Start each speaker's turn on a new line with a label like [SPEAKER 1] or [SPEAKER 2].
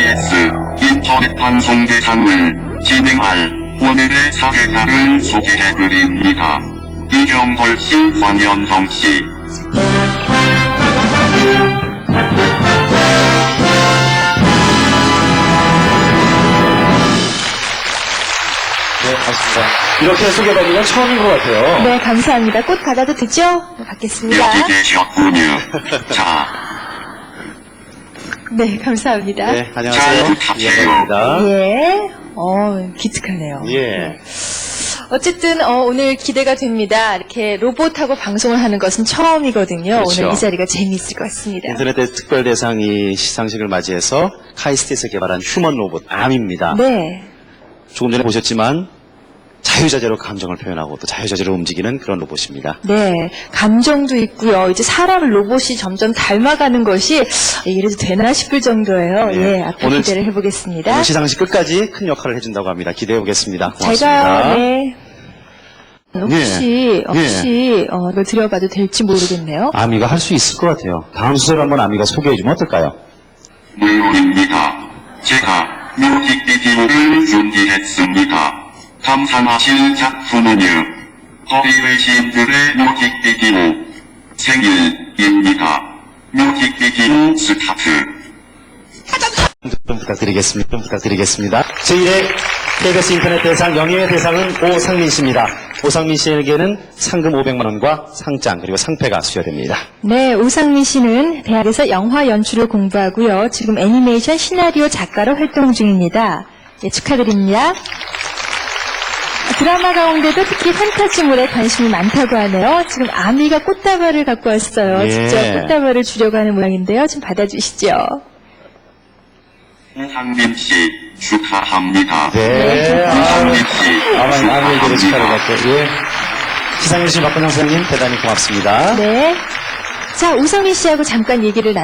[SPEAKER 1] TBS 인터넷 방송 대상을 진행할 오늘의 사회자를 소개해드립니다. 이경걸 씨, 황현성 씨.
[SPEAKER 2] 네, 맞습니다. 이렇게 소개받는 건 처음인 것 같아요.
[SPEAKER 3] 네, 감사합니다. 꽃 받아도 되죠? 네, 받겠습니다.
[SPEAKER 1] 여기 계셨군요. 자,
[SPEAKER 3] 네, 감사합니다.
[SPEAKER 2] 네, 안녕하세요. 이경걸입니다.
[SPEAKER 3] 예, 기특하네요.
[SPEAKER 2] 예.
[SPEAKER 3] 어쨌든 오늘 기대가 됩니다. 이렇게 로봇하고 방송을 하는 것은 처음이거든요.
[SPEAKER 2] 그렇죠.
[SPEAKER 3] 오늘 이 자리가 재미있을 것 같습니다.
[SPEAKER 2] 인터넷의 특별 대상이 시상식을 맞이해서 카이스트에서 개발한 휴먼 로봇 암입니다.
[SPEAKER 3] 네,
[SPEAKER 2] 조금 전에 보셨지만 자유자재로 감정을 표현하고 또 자유자재로 움직이는 그런 로봇입니다.
[SPEAKER 3] 네, 감정도 있고요. 이제 사람을 로봇이 점점 닮아가는 것이 이래도 되나 싶을 정도예요.
[SPEAKER 2] 네.
[SPEAKER 3] 예, 앞으로
[SPEAKER 2] 오늘
[SPEAKER 3] 기대를 해보겠습니다.
[SPEAKER 2] 오늘 시상식 끝까지 큰 역할을 해준다고 합니다. 기대해 보겠습니다. 고맙습니다.
[SPEAKER 3] 제가 혹시
[SPEAKER 2] 예.
[SPEAKER 3] 이걸 드려봐도 될지 모르겠네요.
[SPEAKER 2] 아미가 할 수 있을 것 같아요. 다음 수술 한번 아미가 소개해주면 어떨까요?
[SPEAKER 1] 물론입니다. 제가 뮤직비디오를 준비했습니다. 감상하실 작품은요, 허리웨신들의 뮤직비디오 생일입니다. 뮤직비디오 스타트.
[SPEAKER 2] 좀 부탁드리겠습니다. 제1회 KBS 인터넷 대상 영예의 대상은 오상민 씨입니다. 오상민 씨에게는 상금 500만 원과 상장 그리고 상패가 수여됩니다.
[SPEAKER 3] 네, 오상민 씨는 대학에서 영화 연출을 공부하고요. 지금 애니메이션 시나리오 작가로 활동 중입니다. 예, 축하드립니다. 드라마 가운데도 특히 판타지물에 관심이 많다고 하네요. 지금 아미가 꽃다발을 갖고 왔어요.
[SPEAKER 2] 예.
[SPEAKER 3] 직접 꽃다발을 주려고 하는 모양인데요. 좀 받아주시죠.
[SPEAKER 1] 오상민 씨 축하합니다.
[SPEAKER 2] 네.
[SPEAKER 1] 오상민 씨
[SPEAKER 2] 아미에게도 축하를
[SPEAKER 1] 축하합니다.
[SPEAKER 2] 받고, 예. 시상해주신 박근영 선생님 대단히 고맙습니다.
[SPEAKER 3] 네. 자, 오상민 씨하고 잠깐 얘기를